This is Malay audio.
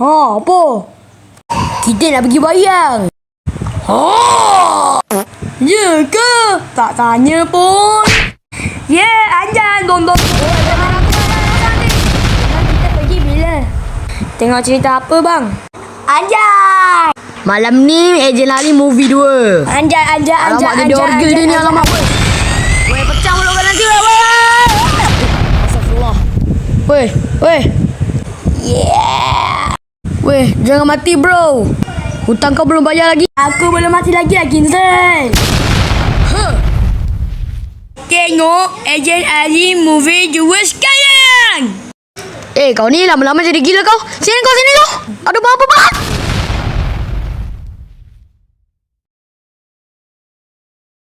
Ha, apa? Kita nak pergi bayang. Ha! Ya ke? Tak tanya pun. Ya, Anjan. Dom. Kita pergi bila? Tengok cerita apa, bang? Anjan! Malam ni ejen lari movie 2. Anjan. Alamak, dia orgel dia ni, alamak. Weh, pecah mulut kau nanti, weh. Astagfirullah. Weh. Yeah. Weh, jangan mati, bro. Hutang kau belum bayar lagi. Aku belum mati lagi, Kinson. Tengok ejen Ali movie 2 sekarang. Kau ni lama-lama jadi gila kau. Sini kau. Aduh, apa?